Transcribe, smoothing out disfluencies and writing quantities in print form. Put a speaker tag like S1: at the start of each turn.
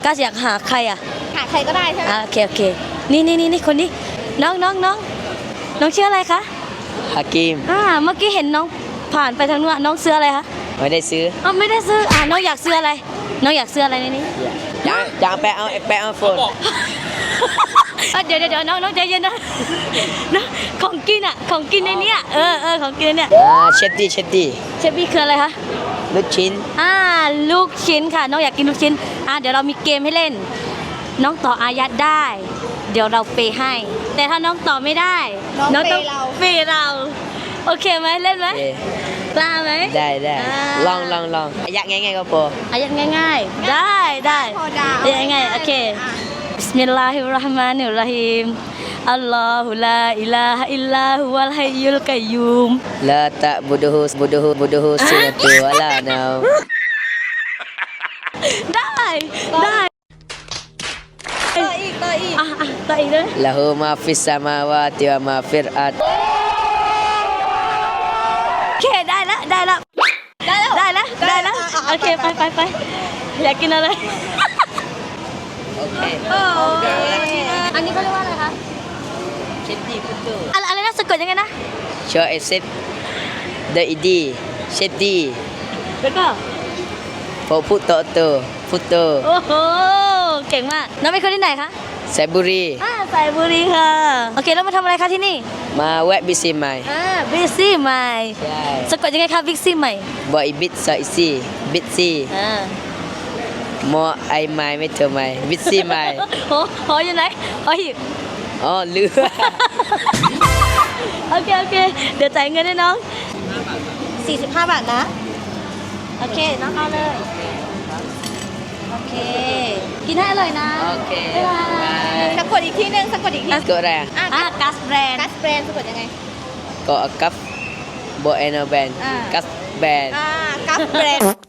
S1: ก้าอยากหาใครอ่ะ
S2: หาใครก็ได้ใช่ไหม
S1: โอเคนี่คนนี้น้องชื่ออะไรคะ
S3: ฮากิม
S1: เมื่อกี้เห็นน้องผ่านไปทางนู้นน้องซื้ออะไรคะ
S3: ไม่ได้ซื้อ
S1: ไม่ได้ซื้อน้องอยากซื้ออะไรน้องอยากซื้ออะไรในนี้
S3: อยากไปเอาโฟน
S1: เดี๋ยวน้องใจเย็นนะของกินของกินในเนี้ยของกินในเนี้ย
S3: เชดดี้
S1: เชฟบี้คืออะไรคะ
S3: ลูกชิ้น
S1: ลูกชิ้นค่ะน้องอยากกินลูกชิ้นเดี๋ยวเรามีเกมให้เล่นน้องต่ออายัดได้เดี๋ยวเราเปย์ให้แต่ถ้าน้องต่อไม่ได้
S2: น้องต้อง
S1: เปย์เราโอเคไหมเล่นไหมกล้าไหม
S3: ได้ลองอายัดง่ายๆก็พอ
S1: อายัดง่ายๆได้
S2: พอดาว
S1: ง่ายโอเคBismillahirrahmanirrahim Allahu la ilaha illa huwal hayyul qayyum
S3: La ta'buduhu sinatu wala naum
S1: ได้
S2: ต่ออีก
S1: เลย
S3: Lahu ma fis samawati wa ma fil ard
S1: โอเคได้แล้วโอเคไปอยากกินอะไร
S3: โอเค
S1: อันนี้เขาเรียกว่าอะไรคะ
S3: เชดดี้ฟุตโต
S1: อะไรนะสะกดยังไงนะ
S3: ชอเอเซตเดอะอีดีเชดดี้
S1: แล้วก็
S3: โฟฟุตโตฟุตโต
S1: โอ้โหเก่งมากน้องเป็นคนที่ไหนคะ
S3: ไซบุรี
S1: ไซบุรีค่ะโอเคแล้วมาทำอะไรคะที่นี่
S3: มาแวะบิซี่ใหม่
S1: บิซี่ใหม่สะกดยังไงคะบิซี่ใหม่
S3: บอยบิทซอยซี่บิทซี่มอไอไม้ไม่เธอไม้บิซซี่ไม้
S1: หออยู่ไหนหิบ
S3: ลืม
S1: โอเคเดี๋ยวจ่ายเงินให้น้อง
S2: 45 บาทนะ
S1: โอเคน้องเอาเลยโอเคกินให้อร่อยนะ
S3: โอเค
S2: สะกดอีกทีนึงสะกดอีกที
S3: ก็อะไร
S1: กัสแบรนด์
S2: สะกดยังไง
S3: ก็กัฟโบเอโนแบนกัสแบน
S2: กัฟแบรนด์